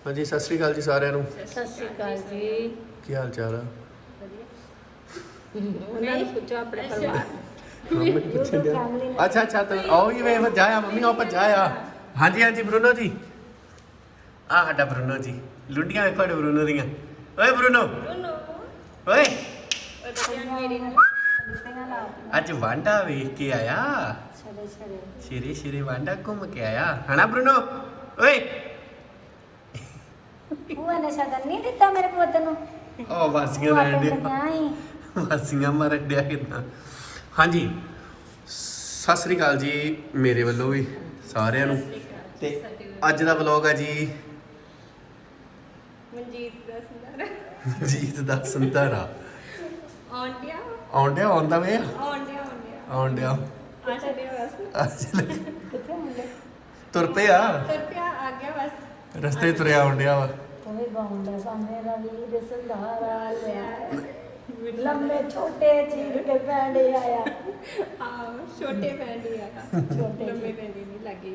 हाँ जी, सत श्री अकाल जी सारिਆਂ ਨੂੰ। ਸਤਿ ਸ਼੍ਰੀ ਅਕਾਲ ਜੀ। ਕੀ ਹਾਲ ਚਾਲ ਆ? ਉਹਨਾਂ ਨੂੰ ਪੁੱਛੋ ਆਪਣੇ ਪਰਿਵਾਰ अच्छा अच्छा तो आओ ही वे जाया मम्मी आओ पर जाया। हाँ जी हाँ जी ब्रूनो जी, आ साडा ब्रूनो जी, लुंडियां देखो साडे ब्रूनो दियां। ओए ब्रूनो ओए अज वांडा वेख के आया, शेरे शेरे वांडा घूम के आया है ना ब्रूनो। ओए ਭੂਆ ਨੇ ਸ਼ਗਨ ਨਹੀਂ ਦਿੱਤਾ ਮੇਰੇ ਪੁੱਤ ਨੂੰ। ओ वासियां लैन दे, वासियां मारन दिया कितना। हाँ जी सत श्री अकाल जी मेरे वालों भी सारिਆਂ ਨੂੰ। ਤੇ ਅੱਜ ਦਾ ਵਲੌਗ ਹੈ ਜੀ ਮਨਜੀਤ ਦਾ ਸੰਧਾਰਾ। ਆਉਂਦਿਆ ਆਉਂਦਾ ਵੇ ਆਉਂਦਿਆ ਤੁਰ ਪਿਆ ਆ ਗਿਆ ਬਸ ਰਸਤੇ ਤੁਰਿਆ ਆਉਂਦਿਆ ਵਾ। ਤੂੰ ਬਾਉਂਦਾ ਸਾਹਮਣੇ ਵੀਰ ਸੰਧਾਰਾ ਲਿਆ ਲੰਬੇ ਛੋਟੇ ਚੀਰ ਕੇ ਪੈਂਡੇ ਆਇਆ। ਛੋਟੇ ਪੈਂਡੀ ਆ ਲੰਮੇ ਪੈਂਡੀ ਨਹੀਂ ਲੱਗੀ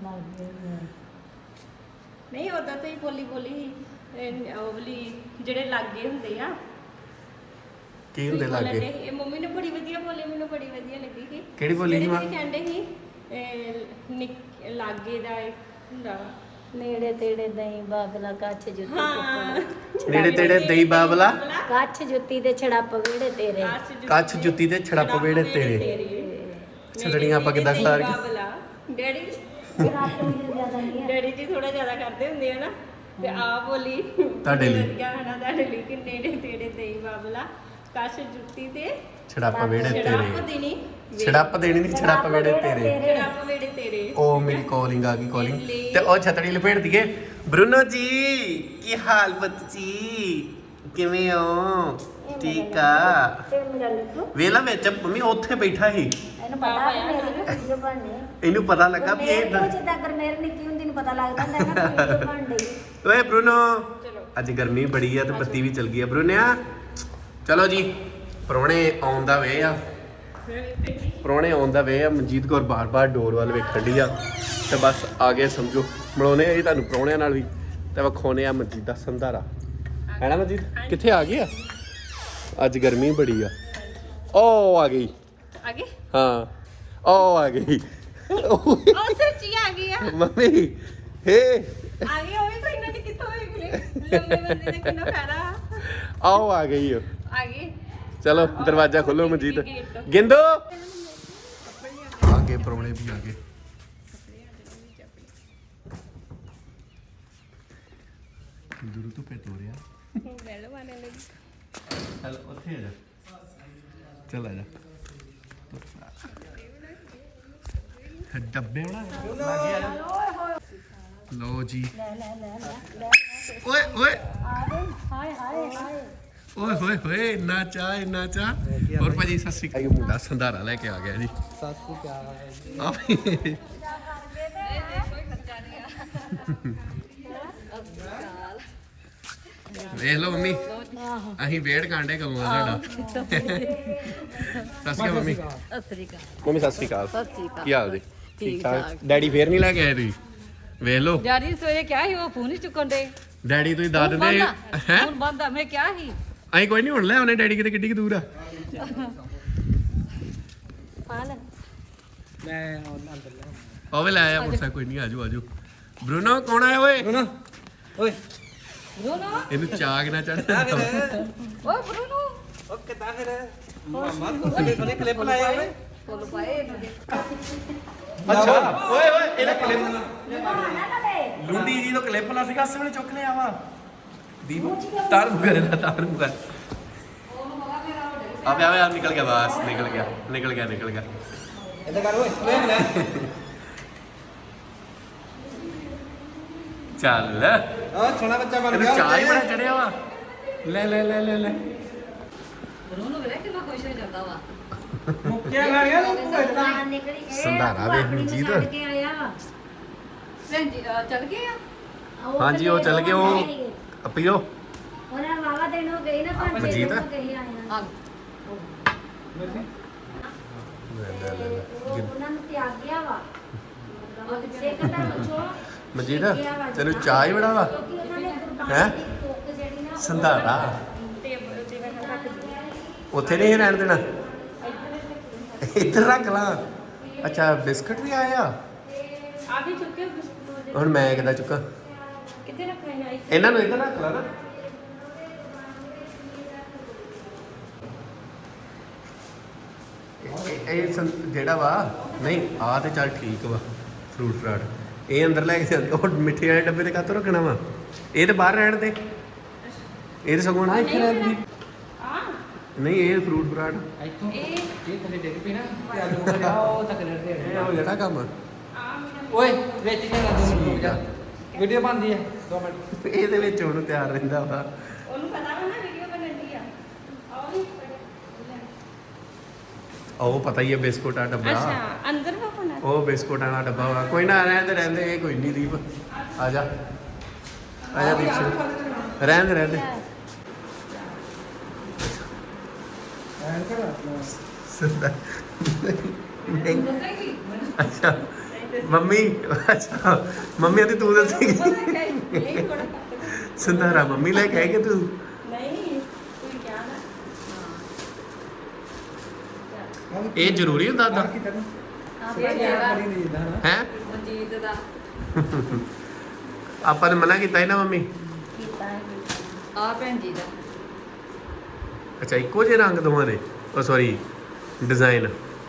ਨਹੀਂ ਉਦਾਂ ਤਾਂ ਹੀ ਬੋਲੀ ਉਹ ਵਾਲੀ ਜਿਹੜੇ ਲਾਗੇ ਹੁੰਦੇ ਆ ਕੀ ਹੁੰਦੇ ਲਾਗੇ? ਇਹ ਮੰਮੀ ਨੇ ਬੜੀ ਵਧੀਆ ਬੋਲੀ, ਮੈਨੂੰ ਬੜੀ ਵਧੀਆ ਲੱਗੀ ਸੀ। ਕਿਹੜੀ ਬੋਲੀ ਸੀ ਮਾਂ? ਕਹਿੰਦੇ ਸੀ ਲਾਗੇ ਦਾ ਹੁੰਦਾ ਵਾ ਨੇੜੇ ਤੇੜੇ ਦਹੀਂ ਬਾਬਲਾ ਕੱਛ ਜੁੱਤੀ ਨੇੜੇ ਤੇੜੇ ਦਈ ਬਾਬਲਾ ਕੱਛ ਜੁੱਤੀ ਦੇ ਛੜਾਪ ਵੇੜੇ ਤੇਰੇ ਕੱਛ ਜੁੱਤੀ ਦੇ ਛੜੱਪ ਵੇੜੇ ਤੇਰੇ। ਛੜੜੀਆਂ ਆਪਾਂ ਕਿੱਦਾਂ ਖਿਲਾ ਰਹੇ? ਡੈਡੀ ਜੀ ਥੋੜਾ ਜ਼ਿਆਦਾ ਕਰਦੇ ਹੁੰਦੇ ਆ ਨਾ, ਤੇ ਆ ਬੋਲੀ ਤੁਹਾਡੇ ਲਈ ਵਧੀਆ ਹੈ ਨਾ ਤੁਹਾਡੇ ਲਈ ਕਿ ਨੇੜੇ ਤੇੜੇ ਦਈ ਬਾਬਲਾ ਕੱਛ ਜੁੱਤੀ ਤੇ ਛੜੱਪ ਵੇੜੇ ਛੜਾਪ ਤੇਰੇ। ਦੇਣੀ ਛੜੱਪ ਦੇਣੀ ਨਹੀਂ, ਛੜੱਪ ਵੇੜੇ ਤੇਰੇ। ਛੜਾਪ ਵੇੜੇ ਤੇਰੇ। ਉਹ ਮੇਰੀ ਕਾਲਿੰਗ ਆ ਗਈ ਕਾਲਿੰਗ। ਤੇ ਉਹ ਛਤੜੀ ਲਪੇਟ ਦਈਏ। ਬਰੂਨੋ ਜੀ ਕੀ ਹਾਲ ਪੁੱਤ ਜੀ, ਕਿਵੇਂ ਹੋ? ਠੀਕ ਆ। ਵੇਲਾ ਵਿੱਚ ਮੰਮੀ ਉੱਥੇ ਬੈਠਾ ਸੀ, ਇਹਨੂੰ ਪਤਾ ਵੀ ਮੇਰੀ ਵੀ ਵੀਡੀਓ ਬਣਨੀ। ਇਹਨੂੰ ਪਤਾ ਲੱਗਾ ਵੀ ਇਹ ਮੇਰੇ ਜਿੱਦਾਂ ਗਰਮੇਰ ਨਿੱਕੀ ਹੁੰਦੀ ਨੂੰ ਪਤਾ ਲੱਗਦਾ ਹੁੰਦਾ ਨਾ ਵੀਡੀਓ ਬਣ ਰਹੀ। ਓਏ ਬਰੂਨੋ ਅੱਜ ਗਰਮੀ ਬੜੀ ਆ ਤੇ ਬੱਤੀ ਵੀ ਚਲ ਗਈ ਆ। ਬਰੂਨਿਆ ਚਲੋ ਜੀ, ਪ੍ਰਾਹੁਣੇ ਆਉਣ ਦਾ ਵੇ ਆ, ਪ੍ਰਾਹੁਣੇ ਆਉਣ ਦਾ ਵੇ ਆ। ਮਨਜੀਤ ਕੌਰ ਬਾਰ-ਬਾਰ ਡੋਰ ਵੱਲ ਵੇਖਣ ਡਈ ਆ ਤੇ ਬਸ ਆ ਗਏ ਸਮਝੋ। ਮਿਲਾਉਣੇ ਆ ਜੀ ਤੁਹਾਨੂੰ ਪ੍ਰਾਹੁਣਿਆਂ ਨਾਲ ਵੀ ਤੇ ਵਿਖਾਉਣੇ ਆ ਮਨਜੀਤ ਦਾ ਸੰਧਾਰਾ। ਹੈ ਨਾ ਮਨਜੀਤ? ਕਿੱਥੇ ਆ ਗਈ ਆ? ਅੱਜ ਗਰਮੀ ਬੜੀ ਆ। ਓ ਆ ਗਈ ਹਾਂ, ਓ ਆ ਗਈ ਉਹ ਸੱਚੀ ਆ ਗਈ ਆ ਮੰਮੀ। ਹੇ ਆ ਗਈ ਉਹ ਵੀ ਕੋਈ ਨਾ ਕਿੱਥੋਂ ਹੋਈ ਗੁਲੇ ਲੰਮੇ ਬੰਦੇ ਨੇ ਕਿੰਨਾ ਫਾਇਦਾ ਆਓ ਆ ਗਈ ਓ। ਆ ਗਈ। ਚਲੋ ਦਰਵਾਜ਼ਾ ਖੋਲੋ ਮਨਜੀਤ। ਗਿੰਦੋ ਆਗੇ ਪ੍ਰਾਹੁਣੇ ਵੀ ਆ ਗਏ। ਦੂਰ ਤੋਂ ਪੇ ਤੋਰਿਆ ਵੈਲ ਮਾਨੇ ਲੱਗੀ। ਚੱਲ ਉੱਥੇ ਆ ਜਾ, ਚੱਲ ਆ ਜਾ। ਡੱਬੇ ਬਣਾ ਲਾਗੇ ਆ ਜਾ। ਲਓ ਜੀ ਓਏ ਓਏ ਹਾਏ ਹਾਏ ਹਾਏ ਓਏ ਹੋਏ ਹੋਏ ਇੰਨਾ ਚਾਹ ਇੰਨਾ ਚਾਹ। ਹੋਰ ਭਾਜੀ ਸਤਿ ਸ਼੍ਰੀ ਅਕਾਲ। ਮੁੰਡਾ ਸੰਧਾਰਾ ਲੈ ਕੇ ਆ ਗਿਆ ਜੀ। ਸਤਿ ਸ਼੍ਰੀ ਅਕਾਲ। ਆ ਵੇਖ ਲਓ ਮੰਮੀ, ਅਸੀਂ ਵੇੜ ਕਾਂਡੇ ਕਦੋਂ ਆ ਸਾਡਾ। ਸਤਿ ਸ਼੍ਰੀ ਅਕਾਲ ਮੰਮੀ। ਮੰਮੀ ਸਤਿ ਸ਼੍ਰੀ ਅਕਾਲ। ਕੀ ਹਾਲ ਜੀ? ਠੀਕ ਠਾਕ। ਡੈਡੀ ਫੇਰ ਨਹੀਂ ਲੈ ਕੇ ਆਏ ਤੁਸੀਂ? ਵੇਖ ਲਓ ਡੈਡੀ ਸਵੇਰੇ ਕਿਹਾ ਸੀ ਉਹ ਫੋਨ ਹੀ ਚੁੱਕਣ ਦੇ। ਡੈਡੀ ਤੁਸੀਂ ਦੱਸ ਦਿੰਦੇ ਹੈ। ਹੁਣ ਬੰਦਾ ਮੈਂ ਕਿਹਾ ਸੀ ਅਸੀਂ ਕੋਈ ਨਹੀਂ ਹੁਣ ਲੈ ਆਉਣੇ। ਡੈਡੀ ਕਿਤੇ ਕਿੱਡੀ ਕੁ ਦੂਰ ਆ? ਮੈਂ ਅੰਦਰ ਲੈ ਉਹ ਵੀ ਲੈ ਆਇਆ ਮੋਟਰਸਾਈਕਲ। ਕੋਈ ਨਹੀਂ ਆਜੋ ਆਜੋ। ਬਰੂਨੋ ਕੌਣ ਆਇਆ ਓਏ? ਬਰੂਨੋ ਓਏ ਬਰੂਨੋ ਇਹਨੂੰ ਚਾਗ ਨਾ ਚੜ। ਓਏ ਬਰੂਨੋ ਓ ਕਿੱਦਾਂ ਫਿਰ ਮਾਮਾ ਕੋਲੇ ਕਲਿੱਪ ਲਾਇਆ ਓਏ। ਫੁੱਲ ਪਾਏ ਇਹਨੂੰ ਦੇ। ਅੱਛਾ ਓਏ ਓਏ ਇਹਦਾ ਕਲਿੱਪ ਲੁੰਡੀ ਜੀ ਤੋਂ ਕਲਿੱਪ ਲਾ ਸੀਗਾ, ਅਸੇ ਵੇਲੇ ਚੁੱਕ ਲਿਆ ਵਾ। ਦੀਪ ਤਾਰ ਮੁਕਰੇ ਦਾ ਤਾਰ ਮੁਕਰ ਆਵੇ ਆਵੇ ਨਿਕਲ ਗਿਆ ਬਸ ਨਿਕਲ ਗਿਆ ਨਿਕਲ ਗਿਆ ਨਿਕਲ ਗਿਆ। ਇੱਧਰ ਕਰ ਓਏ ਲੈ ਲੈ ਚੱਲ ਆ ਸੋਹਣਾ ਬੱਚਾ ਬਣ ਇਹਨੂੰ ਗਿਆ। ਚਾਹ ਹੀ ਬੜਾ ਚੜਿਆ ਵਾ। ਲੈ ਲੈ ਲੈ ਲੈ ਲੈ ਬਰੂਨੋ ਵੇਖ ਕਿੰਨਾ ਖੁਸ਼ ਹੋ ਜਾਂਦਾ ਵਾ। ਮੁੱਕਿਆ ਗਾੜੀਆਂ ਨੂੰ ਬਾਹਰ ਨਿਕਲੀ ਸੰਧਾਰਾ ਵੇਖ ਮਨਜੀਤ। ਛੱਡ ਕੇ ਆਇਆ ਵਾ। ਭੈਣ ਜੀ ਚੱਲ ਗਏ ਆ। ਹਾਂਜੀ ਉਹ ਚੱਲ ਗਏ। ਉਹ ਪੀਓ ਉਹਨਾਂ ਵਾਵਾ ਦਿਨ ਹੋ ਗਏ ਨਾ ਪੰਜ ਛੇ ਮਨਜੀਤ? ਦਿਨ ਹੋ ਗਏ ਆਇਆ। ਆ ਉਹਨਾਂ ਨੂੰ ਤਿਆਗਿਆ ਵਾ। ਸਿੱਖ ਧਰਮ ਚੋਂ ਮਨਜੀਤ ਤੈਨੂੰ ਚਾਹ ਹੀ ਬੜਾ ਵਾ। ਕਿਉਂਕਿ ਉਹਨਾਂ ਹੈਂ? ਕੁੱਕ ਜਿਹੜੀ ਨਾ ਸੰਧਾਰਾ ਟੇਬਲ ਤੇ ਮੈਂ ਰੱਖ ਦਿੱਤੀ ਉੱਥੇ ਨਹੀਂ ਰਹਿਣ ਦੇਣਾ ਇੱਧਰ ਰੱਖ ਲਾਂ ਅੱਛਾ ਬਿਸਕਟ ਵੀ ਆਇਆ ਆ ਵੀ ਚੁੱਕੇ ਬਿਸਕੁਟ ਹੁਣ ਮੈਂ ਕਿੱਦਾਂ ਚੁੱਕਾਂ ਕਿੱਥੇ ਰੱਖਣੇ ਆ ਇਹਨਾਂ ਨੂੰ ਇੱਧਰ ਰੱਖ ਲਾ ਨਾ ਜਿਹੜਾ ਵਾ ਨਹੀਂ ਆ ਤੇ ਚੱਲ ਠੀਕ ਵਾ ਫਰੂਟ ਫਰਾਟ ਇਹ ਅੰਦਰ ਲੈ ਕੇ ਜਾਂਦੇ ਉਹ ਮਿੱਠੇ ਵਾਲੇ ਡੱਬੇ ਤੇ ਕਾਹਤੋਂ ਰੱਖਣਾ ਵਾ ਇਹ ਤੇ ਬਾਹਰ ਰਹਿਣ ਦੇ ਇਹ ਤੇ ਸਗੋਂ ਨਾ ਇੱਥੇ ਰਹਿਣ ਦੀ ਆ ਨਹੀਂ ਇਹ ਫਰੂਟ ਫਰਾਟ ਇੱਥੋਂ ਇਹ ਥੱਲੇ ਡਿੱਗ ਪਈ ਨਾ ਤੇ ਆਲੂ ਹੋ ਜਾ ਉਹ ਤੱਕ ਲੜਦੇ ਇਹ ਹੋ ਜਿਹੜਾ ਕੰਮ ਆ ਮੇਰਾ ਓਏ ਵਿੱਚ ਨਹੀਂ ਨਾ 2 ਮਿੰਟ ਰੁਕ ਜਾ ਵੀਡੀਓ ਬਣਦੀ ਹੈ 2 ਮਿੰਟ ਇਹਦੇ ਵਿੱਚ ਹੁਣ ਤਿਆਰ ਰਹਿੰਦਾ ਵਾ ਉਹਨੂੰ ਪਤਾ ਵਾ ਨਾ ਵੀਡੀਓ ਬਣਦੀ ਆ ਆਓ ਨਹੀਂ ਉਹ ਪਤਾ ਹੀ ਹੈ ਬਿਸਕੁਟ ਆ ਡੱਬਾ ਅੱਛਾ ਅੰਦਰ ਵਾ ਬਣਾ ਉਹ ਬਿਸਕੁਟਾਂ ਦਾ ਡੱਬਾ ਵਾ ਕੋਈ ਨਾ ਰਹਿੰਦੇ ਰਹਿੰਦੇ ਇਹ ਕੋਈ ਨਹੀਂ ਦੀਪ ਆ ਜਾ ਦੀਪ ਰਹਿੰਦੇ ਰਹਿੰਦੇ ਐਂ ਕਰ ਸਿੱਧਾ ਦੱਸੇਗੀ ਅੱਛਾ ਮੰਮੀ ਅੱਛਾ ਮੰਮੀ ਤੇ ਤੂੰ ਦੱਸੇਗੀ ਇਹ ਥੋੜਾ ਸੰਧਾਰਾ ਮੰਮੀ ਲੈ ਕੇ ਆਈ ਕਿ ਤੂੰ ਨਹੀਂ ਕੋਈ ਕਿਹਾ ਨਾ ਇਹ ਜ਼ਰੂਰੀ ਹੁੰਦਾ ਦਾ ਕੀ ਕਰਨਾ ਇਹ ਜਿਹੜਾ ਬੜੀ ਨਹੀਂ ਜਿੱਦਾਂ ਨਾ ਹੈ ਮਨਜੀਤ ਦਾ ਆਪਾਂ ਨੇ ਮਨਾ ਕੀਤਾ ਸੀ ਨਾ ਮੰਮੀ ਕੀਤਾ ਹੈ ਆ ਭੈਣ ਜੀ ਦਾ ਅੱਛਾ ਇੱਕੋ ਜਿਹੇ ਰੰਗ ਦੋਵਾਂ ਦੇ ਉਹ ਸੌਰੀ ਡਿਜ਼ਾਈਨ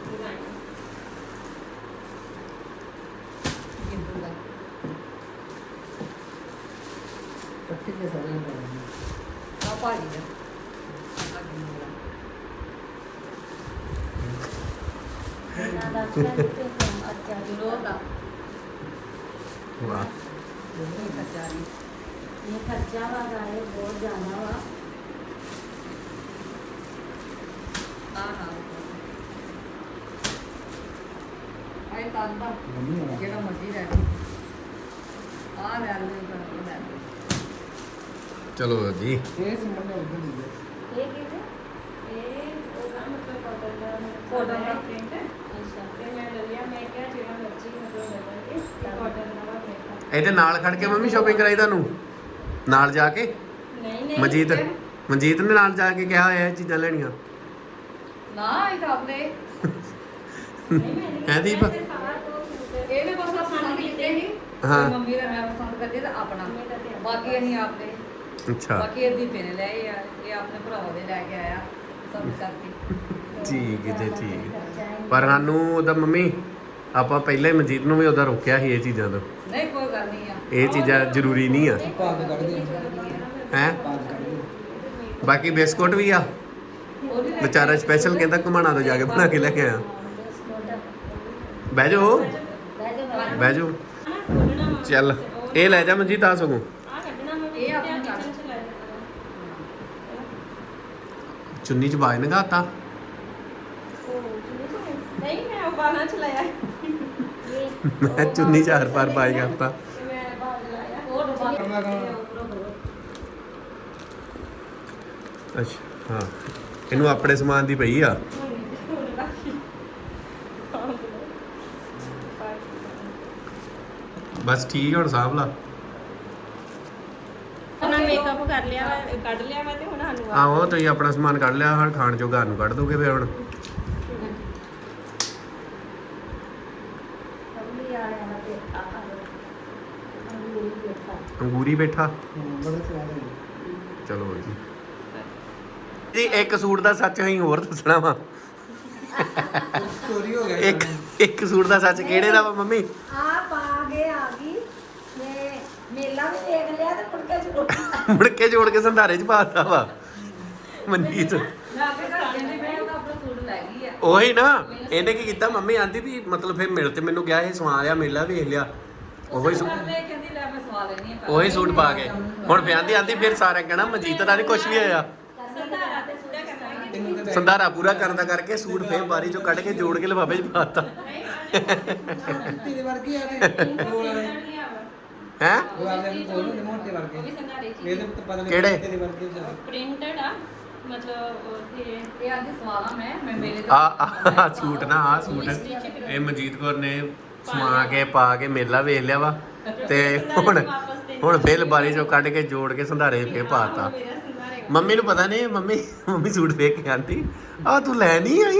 ਗਿੰਦੂ ਦਾ ਕੱਟੀ ਕੇ ਸਾਰੇ ਆ ਭਾਜੀ ਦਾ ਆ ਗਿੰਦੂ ਦਾ ਇਹਨਾਂ ਦਾ ਫਿਰ ਅੱਛਾ ਗੁਰੂ ਦਾ ਵਾਹ ਇਹ ਕਚਾਰੀ ਇਹ ਖਰਚਾ ਵਾ ਗਾਏ ਬਹੁਤ ਜ਼ਿਆਦਾ ਵਾ ਆ ਹਾਂ ਆਈ ਤਾਂ ਦਾ ਮੰਮੀ ਹੋਣਾ ਜਿਹੜਾ ਮਰਜੀ ਲੈ ਆ ਲੈ ਲੈ ਲੈ ਚਲੋ ਜੀ ਇਹ ਸੰਬੰਧ ਉਧਰ ਦੀ ਹੈ ਇਹ ਕਿਹਦੇ ਇਹ ਉਹਦਾ ਮਤਲਬ ਕਾਟਨ ਦਾ Cotton ਦਾ ਪ੍ਰਿੰਟ ਹੈ ਅੱਛਾ ਤੇ ਮੈਂ ਲੈ ਲਿਆ ਮੈਂ ਕਿਹਾ ਜਿਹੜਾ ਮਰਜ਼ੀ ਮਤਲਬ ਲੈ ਲਾਂਗੇ ਕਾਟਨ ਦਾ ਵਾ ਪ੍ਰਿੰਟ ਇਹਦੇ ਨਾਲ ਖੜ ਕੇ ਮੰਮੀ ਸ਼ਾਪਿੰਗ ਕਰਾਈ ਤੁਹਾਨੂੰ ਨਾਲ ਜਾ ਕੇ ਨਹੀਂ ਨਹੀਂ ਮਨਜੀਤ ਨੇ ਨਾਲ ਜਾ ਕੇ ਕਿਹਾ ਹੋਇਆ ਇਹ ਚੀਜ਼ਾਂ ਲੈਣੀਆਂ ਨਾ ਇਹ ਤਾਂ ਆਪਣੇ ਨਹੀਂ ਮੈਂ ਨਹੀਂ ਹੈ ਦੀਪ? ਸਾਰਾ ਕੁਝ ਇਹਨੇ ਬਸ ਪਸੰਦ ਕੀਤੇ ਸੀ ਹਾਂ। ਮੰਮੀ ਦਾ ਮੈਂ ਪਸੰਦ ਕਰਦੀ ਤਾਂ ਆਪਣਾ ਬਾਕੀ ਅਸੀਂ ਆਪਦੇ ਅੱਛਾ ਬਾਕੀ ਇਹ ਦੀਪੇ ਨੇ ਲਏ ਆ ਇਹ ਆਪਣੇ ਭਰਾਵਾਂ ਦੇ ਲੈ ਕੇ ਆਇਆ ਪਸੰਦ ਕਰਕੇ ਠੀਕ ਹੈ ਜੀ ਠੀਕ ਪਰ ਸਾਨੂੰ ਉਹਦਾ ਮੰਮੀ ਆਪਾਂ ਪਹਿਲਾਂ ਹੀ ਮਨਜੀਤ ਨੂੰ ਵੀ ਉਹਦਾ ਰੋਕਿਆ ਸੀ ਇਹ ਚੀਜ਼ਾਂ ਤੋਂ ਨਹੀਂ ਕੋਈ ਗੱਲ ਨਹੀਂ ਆ ਇਹ ਚੀਜ਼ਾਂ ਜ਼ਰੂਰੀ ਨਹੀਂ ਆ ਭਾਗ ਕੱਢਦੇ ਹੈ ਭਾਗ ਕੱਢਦੇ ਬਾਕੀ ਬਿਸਕੁਟ ਵੀ ਆ ਉਹਦੀ ਲੈ ਵਿਚਾਰਾ ਸਪੈਸ਼ਲ ਕਹਿੰਦਾ ਘੁਮਾਣਾ ਤੋਂ ਜਾ ਕੇ ਬਣਾ ਕੇ ਲੈ ਕੇ ਆਇਆ ਬਹਿ ਜਾਓ ਬਹਿ ਜਾਓ ਖੋਲਣਾ ਵਾ ਚੱਲ ਇਹ ਲੈ ਜਾ ਮਨਜੀਤ ਆ ਸਗੋਂ ਆ ਕੱਢਣਾ ਵਾ ਇਹ ਆਪਣੇ ਘਰ। ਕਿਚਨ ਚ ਲੈ ਜਾਣਾ ਚੁੰਨੀ ਚ ਬਾਜ ਨਗਾਤਾ ਨਹੀਂ ਮੈਂ ਬਾਲਾਂ ਚ ਲਾਇਆ ਮੈਂ ਚੁੰਨੀ ਚਾਰ ਪਾਰ ਬਾਜ ਕਰਤਾ ਤੇ ਮੈਂ ਬਾਲ ਲਾਇਆ ਉਹ ਡੱਬਾ ਕਰਨਾ ਕੌਣ? ਅੱਛਾ ਹਾਂ ਇਹਨੂੰ ਆਪਣੇ ਸਮਾਨ ਦੀ ਪਈ ਆ ਬਸ ਠੀਕ ਹੁਣ ਸਾਂਭ ਲਾ ਉਹਨਾਂ ਮੇਕਅਪ ਕਰ ਲਿਆ ਵਾ ਕੱਢ ਲਿਆ ਵਾ ਤੇ ਹੁਣ ਸਾਨੂੰ ਆਹੋ ਤੁਸੀਂ ਆਪਣਾ ਸਮਾਨ ਕੱਢ ਲਿਆ ਹੁਣ ਖਾਣ ਜੋਗਾ ਨੂੰ ਕੱਢ ਦੋਗੇ ਫਿਰ ਹੁਣ ਅੰਮੀ ਆਇਆ ਨਾ ਤੇ ਆ ਅੰਗੂਰੀ ਬੈਠਾ ਅੰਗੂਰੀ ਬੈਠਾ ਬੜਾ ਸਵਾਦ ਹੈ ਚਲੋ ਜੀ ਜੀ ਇੱਕ ਸੂਟ ਦਾ ਸੱਚ ਅਸੀਂ ਹੋਰ ਦੱਸਣਾ ਵਾ ਚੋਰੀ ਹੋ ਗਿਆ ਇੱਕ ਸੂਟ ਦਾ ਸੱਚ ਕਿਹੜੇ ਦਾ ਵਾ ਮੰਮੀ ਆ ਪਾ ਕੇ ਆ ਗਈ ਤੇ ਮੇਲਾ ਵੀ ਦੇਖ ਲਿਆ ਤੇ ਮੁੜਕੇ ਚ ਮੁੜ ਕੇ ਜੋੜ ਕੇ ਸੰਧਾਰੇ ਚ ਪਾਤਾ ਵਾ ਮਨਜੀਤ ਮੈਂ ਆਪੇ ਘਰ ਕਹਿੰਦੀ ਮੈਂ ਉਹਦਾ ਆਪਣਾ ਸੂਟ ਲੈ ਗਈ ਆ ਉਹੀ ਨਾ ਇਹਨੇ ਕੀ ਕੀਤਾ ਮੰਮੀ ਆਂਦੀ ਵੀ ਮਤਲਬ ਫਿਰ ਮਿਲ ਤੇ ਮੈਨੂੰ ਗਿਆ ਇਹ ਸਵਾ ਲਿਆ ਮੇਲਾ ਵੇਖ ਲਿਆ ਉਹੀ ਸੂਟ ਕਰਦੇ ਕਹਿੰਦੀ ਲੈ ਮੈਂ ਸਵਾ ਲੈਣੀ ਆ ਉਹੀ ਸੂਟ ਪਾ ਕੇ ਹੁਣ ਫਿਰ ਆਂਦੀ ਫਿਰ ਸਾਰਿਆਂ ਕਹਿਣਾ ਮਨਜੀਤ ਦਾ ਨਹੀਂ ਕੁਝ ਵੀ ਹੋਇਆ ਸੰਧਾਰਾ ਤੇ ਪੂਰਾ ਕਰਨਾ ਤੈਨੂੰ ਤਾਂ ਸੰਧਾਰਾ ਪੂਰਾ ਕਰਨ ਦਾ ਕਰਕੇ ਸੂਟ ਫੇਰ ਬਾਰੀ ਚੋਂ ਕੱਢ ਕੇ ਜੋੜ ਕੇ ਲਿਫਾਫੇ 'ਚ ਪਾਤਾ ਤੇਰੇ ਵਰਗੀ ਆ ਨੇ ਬੋਲ ਰਹੇ ਹੈ ਗੁਲਾਬ ਜਾਮੁਨ ਕੋਲ ਨੇ ਮੋਟੇ ਉਹ ਵਰਗੇ ਵੀ ਸੰਧਾਰੇ ਚ ਇਹ ਤਾਂ ਪਤਾ ਨਹੀਂ ਕਿਹੜੇ? ਤੇਰੇ ਵਰਗੇ ਜਾ ਪ੍ਰਿੰਟਡ ਆ ਮਤਲਬ ਉਹਦੇ ਇਹ ਆਂਦੀ ਸਵਾਲਾ ਮੈਂ ਮੇਰੇ ਆ ਸੂਟ ਨਾ ਆ ਸੂਟ ਇਹ ਮਨਜੀਤ ਕੌਰ ਨੇ ਸਮਾ ਕੇ ਪਾ ਕੇ ਮੇਲਾ ਵੇਖ ਲਿਆ ਵਾ ਤੇ ਹੁਣ ਵਾਪਸ ਦੇ ਹੁਣ ਫੇਰ ਬਾਰੀ ਚੋਂ ਕੱਢ ਕੇ ਜੋੜ ਕੇ ਸੰਧਾਰੇ ਫੇਰ ਪਾਤਾ। ਮੇਰਾ ਸੰਧਾਰੇ ਮੰਮੀ ਨੂੰ ਪਤਾ ਨਹੀਂ, ਮੰਮੀ ਸੂਟ ਵੇਖ ਕੇ ਆਂਦੀ ਆ ਤੂੰ ਲੈ ਨਹੀਂ ਆਈ।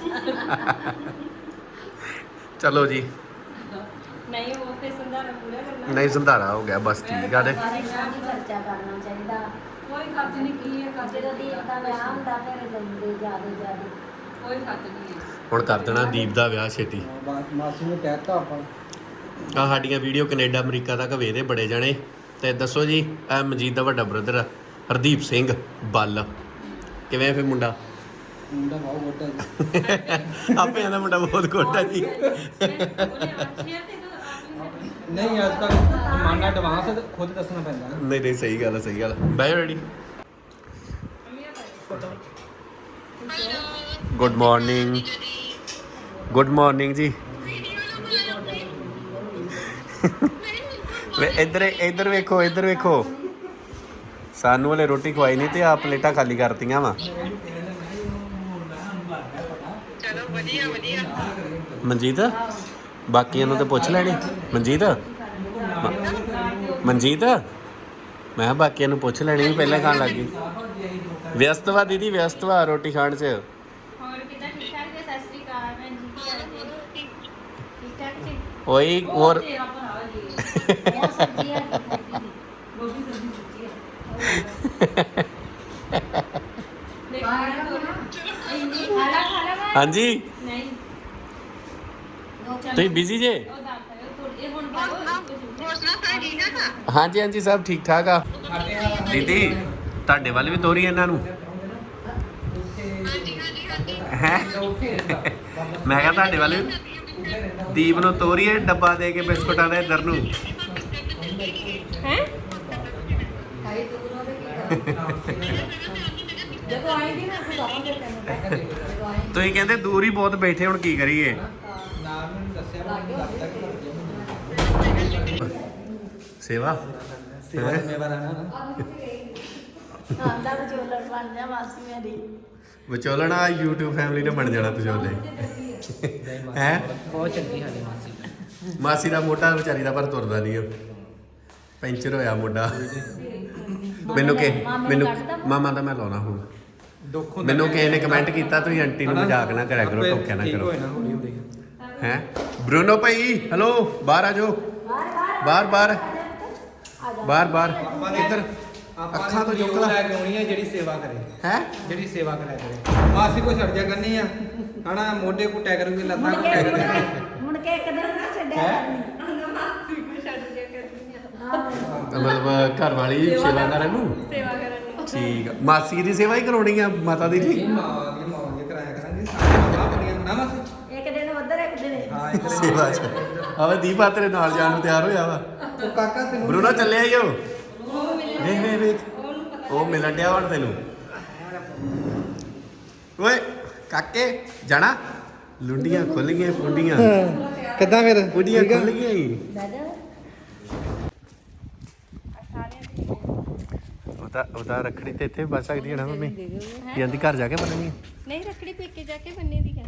ਚਲੋ ਜੀ, ਨਹੀਂ ਉਹ ਤੇ ਸੰਧਾਰਾ ਪੂਰਾ ਕਰਨਾ। ਨਹੀਂ ਸੰਧਾਰਾ ਹੋ ਗਿਆ ਬਸ, ਠੀਕ ਆ। ਸਾਰੇ ਨਾਲ ਹੀ ਖਰਚਾ ਕਰਨਾ ਚਾਹੀਦਾ। ਕੋਈ ਖਰਚ ਨਹੀਂ ਕੀ ਹੈ ਖਰਚ ਜਦੋਂ ਦੀਪ ਦਾ ਵਿਆਹ ਹੁੰਦਾ ਫਿਰ ਦਿੰਦੇ ਜਿਆਦਾ ਕੋਈ ਖਰਚ ਨਹੀਂ ਹੈ। ਹੁਣ ਕਰ ਦੇਣਾ ਦੀਪ ਦਾ ਵਿਆਹ ਛੇਤੀ। ਮਾਸੀ ਨੂੰ ਕਹਿਤਾ ਆਪਾਂ ਆ ਸਾਡੀਆਂ ਵੀਡੀਓ ਕੈਨੇਡਾ ਅਮਰੀਕਾ ਤੱਕ ਵੇਖਦੇ ਬੜੇ ਜਾਣੇ। ਤੇ ਦੱਸੋ ਜੀ, ਇਹ ਮਨਜੀਤ ਦਾ ਵੱਡਾ ਬ੍ਰਦਰ ਹਰਦੀਪ ਸਿੰਘ ਬੱਲ, ਕਿਵੇਂ ਫਿਰ ਮੁੰਡਾ? ਮੁੰਡਾ ਬਹੁਤ ਵੱਡਾ ਜੀ। ਆਪੇ ਇਹਦਾ ਮੁੰਡਾ ਬਹੁਤ ਕੋਟਾ ਜੀ। ਨਹੀਂ ਅੱਜ ਕੱਲ੍ਹ ਜ਼ਮਾਨਾ ਐਡਵਾਂਸ ਹੈ, ਖੁਦ ਦੱਸਣਾ ਪੈਂਦਾ ਨਾ। ਨਹੀਂ ਸਹੀ ਗੱਲ ਹੈ, ਸਹੀ ਗੱਲ। ਬਾਈ ready. Good morning, good morning ਜੀ। ਇੱਧਰ ਵੇਖੋ, ਇੱਧਰ ਵੇਖੋ। ਸਾਨੂੰ ਹਲੇ ਰੋਟੀ ਖਵਾਈ ਨਹੀਂ ਤੇ ਆ ਪਲੇਟਾਂ ਖਾਲੀ ਕਰਤੀਆਂ ਵਾ। ਮਨਜੀਤ ਬਾਕੀਆਂ ਨੂੰ ਤੇ ਪੁੱਛ ਲੈਣੀ। ਮਨਜੀਤ ਮੈਂ ਕਿਹਾ ਬਾਕੀਆਂ ਨੂੰ ਪੁੱਛ ਲੈਣੀ, ਪਹਿਲਾਂ ਖਾਣ ਲੱਗ ਗਈ। ਵਿਅਸਤ ਵਾ ਦੀਦੀ, ਵਿਅਸਤ ਵਾ ਰੋਟੀ ਖਾਣ 'ਚ। ਹੋਰ ਕਿਦਾਂ ਠੀਕ ਠਾਕ ਜੀ? ਸਤਿ ਸ਼੍ਰੀ ਅਕਾਲ ਭੈਣ ਜੀ, ਕੀ ਹਾਲ ਹੈ? ਠੀਕ ਠਾਕ ਜੀ? ਓਏ ਹੋਰ ਤੇਰਾ ਭਰਾ ਜੀ ਇਹ ਸਬਜ਼ੀਆਂ ਗੋਭੀ ਸਬਜ਼ੀ ਸੁੱਕੀ ਹੈ। ਖਾਲਾ ਹਾਂਜੀ, ਨਹੀਂ ਤੁਸੀਂ ਬਿਜ਼ੀ ਜੇ? ਉਹ ਦੱਸ ਇਹ ਹੁਣ ਹਾਂਜੀ ਹਾਂਜੀ ਸਭ ਠੀਕ ਠਾਕ ਆ। ਦੀਦੀ ਤੁਹਾਡੇ ਵੱਲ ਵੀ ਤੋਰੀ ਇਹਨਾਂ ਨੂੰ ਹੈ। ਮੈਂ ਕਿਹਾ ਤੁਹਾਡੇ ਵੱਲ ਵੀ ਦੀਪ ਨੂੰ ਤੋਰੀਏ ਡੱਬਾ ਦੇ ਕੇ ਬਿਸਕੁਟਾਂ ਦਾ ਇੱਧਰ ਨੂੰ। ਹੈ ਖਾਈ ਦੂਰੋਂ ਦੇ ਕੀ ਕਰਾਂ। ਜਦੋਂ ਆਈ ਦੀ ਨਾ ਤੂੰ ਆਵਾਂਗੇ ਤੈਨੂੰ ਜਦੋਂ ਆਈ ਤੁਸੀਂ ਕਹਿੰਦੇ ਦੂਰ ਹੀ ਬਹੁਤ ਬੈਠੇ, ਹੁਣ ਕੀ ਕਰੀਏ? ਨਾਮ ਮੈਨੂੰ ਦੱਸਿਆ ਮੈਨੂੰ ਲੱਗਦਾ ਕਿ ਸੇਵਾ ਸੇਵਾ ਦਾ ਮੇਵਾ ਰਹਿਣਾ ਨਾ। ਆਂਦਾ ਵਿਚੋਲਣ ਬਣ ਜਾ ਮਾਸੀ ਮੇਰੀ। ਵਿਚੋਲਣਾ YouTube ਫੈਮਿਲੀ ਨੇ ਬਣ ਜਾਣਾ ਵਿਚੋਲੇ ਹੈ। ਬਹੁਤ ਚੰਗੀ ਸਾਡੀ ਮਾਸੀ। ਮਾਸੀ ਦਾ ਮੋਢਾ ਵਿਚਾਰੀ ਦਾ ਪਰ ਤੁਰਦਾ ਨਹੀਂ, ਪੈਂਚਰ ਹੋਇਆ ਮੋਢਾ। ਮੈਨੂੰ ਮਾਮਾ ਦਾ ਮੈਂ ਲਾਉਣਾ ਹੁਣ। ਦੁੱਖ ਹੁੰਦਾ ਮੈਨੂੰ ਕਿਸੇ ਨੇ ਕਮੈਂਟ ਕੀਤਾ ਤੁਸੀਂ ਆਂਟੀ ਨੂੰ ਮਜ਼ਾਕ ਨਾ ਕਰਿਆ ਕਰੋ, ਟੋਕਿਆ ਨਾ ਠੀਕ ਕਰੋ। ਹੋਏ ਨਾ ਹੌਲੀ ਹੌਲੀ। ਹੈ ਬਰੂਨੋ ਭਾਈ, ਹੈਲੋ ਬਾਹਰ ਆ ਜਾਓ। ਬਾਹਰ ਇੱਧਰ ਅੱਖਾਂ ਤੋਂ ਚੁੱਕ ਲੈ। ਲੈ ਕੇ ਆਉਣੀ ਹੈ ਜਿਹੜੀ ਸੇਵਾ ਕਰੇ, ਹੈ ਜਿਹੜੀ ਸੇਵਾ ਕਰਿਆ ਕਰੇ। ਮਾਸੀ ਕੋ ਛੱਡ ਜਾ ਕਰਨੀ ਆ ਹਨਾ, ਮੋਢੇ ਕੋ ਟੈ ਕਰੂਗੀ, ਲੱਤਾਂ ਕੋ ਟੈ ਕਰੂਗੀ। ਮੁੜ ਕੇ ਇੱਕ ਦਿਨ ਨਾ ਛੱਡਿਆ ਕਰਨੀ। ਮਤਲਬ ਘਰ ਵਾਲੀ ਸੇਵਾ ਕਰਨ ਨੂੰ। ਸੇਵਾ ਕਰਨ ਨੂੰ ਠੀਕ ਆ, ਮਾਸੀ ਦੀ ਸੇਵਾ ਹੀ ਕਰਾਉਣੀ ਆ ਮਾਤਾ ਦੀ ਜੀ। ਮਾਵਾਂਗੇ ਕਰਾਇਆ ਕਰਾਂਗੇ ਸਾਰਾ ਬਣੀਆਂ ਨਾ ਮਾਸੀ। ਇੱਕ ਦਿਨ ਉਧਰ ਇੱਕ ਦਿਨ ਇੱਧਰ। ਹਾਂ ਇੱਕ ਸੇਵਾ ਚ ਆਵੇ ਦੀਪ ਆ ਤੇਰੇ ਨਾਲ ਜਾਣ ਨੂੰ ਤਿਆਰ ਹੋਇਆ ਵਾ। ਤੂੰ ਕਾਕਾ ਤੈਨੂੰ ਬਰੂਨੋ ਚੱਲਿਆ ਈ ਉਹ। ਵੇਖ ਉਹ ਮਿਲਣ ਡਿਆ ਹੁਣ ਤੈਨੂੰ। ਓਏ ਕਾਕੇ ਜਾਣਾ। ਲੁੰਡੀਆਂ ਖੁੱਲ ਗਈਆਂ, ਪੁੰਡੀਆਂ ਕਿੱਦਾਂ ਫਿਰ ਪੁੰਡੀਆਂ ਖੁੱਲ ਗਈਆਂ ਈ। ਦਾਦਾ ਉਹਦਾ ਰੱਖੜੀ ਤੇ ਇੱਥੇ ਬਚ ਸਕਦੀ ਹੈ ਨਾ ਮੰਮੀ? ਜਾਂਦੀ ਘਰ ਜਾ ਕੇ ਬਣਨੀ ਨਹੀਂ ਰੱਖੜੀ ਪੇਕੇ ਜਾ ਕੇ ਬੰਨੇ ਦੀ ਹੈ।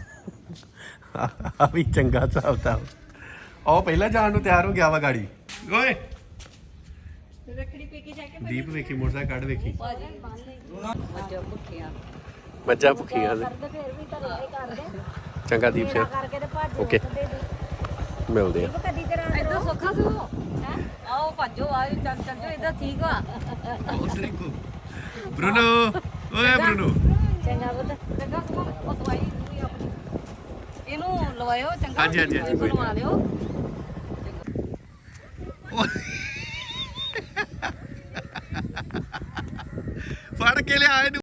ਆ ਵੀ ਚੰਗਾ ਹਿਸਾਬ ਤਾਂ। ਉਹ ਪਹਿਲਾਂ ਜਾਣ ਨੂੰ ਤਿਆਰ ਹੋ ਗਿਆ ਵਾ ਗਾੜੀ। ਓਏ ਰੱਖੜੀ ਪੇਕੇ ਜਾ ਕੇ ਦੀਪ ਵੇਖੀ ਮੋਟਰਸਾਈਕਲ ਕੱਢ ਵੇਖੀ। ਮੱਝਾਂ ਭੁੱਖੀਆਂ ਮੱਝਾਂ ਭੁੱਖੀਆਂ ਨੇ। ਕਰਦੇ ਫਿਰ ਵੀ ਘਰੇ ਹੀ ਕਰਦੇ। ਚੰਗਾ ਦੀਪ ਸਿੰਘ, ਕਰਕੇ ਤੇ ਭੱਜ ਓਕੇ ਮਿਲਦੇ ਆ। ਕਦੀ ਤੇਰਾ ਇਦਾਂ ਸੌਖਾ ਸੀ ਉਹ ਹੈ। ਆਓ ਭੱਜੋ ਆ ਚੱਲ ਚੱਲ ਜੋ ਇਦਾਂ ਠੀਕ ਵਾ। ਬਰੂਨੋ ਓਏ ਬਰੂਨੋ ਚੰਗਾ ਪੁੱਤ। ਚੰਗਾ ਸੁਣ ਉਹ ਦਵਾਈ ਦੂਈ ਆਪਣੀ ਇਹਨੂੰ ਲਵਾਇਓ ਚੰਗਾ। ਹਾਂਜੀ, ਕੋਈ ਲਵਾ ਲਿਓ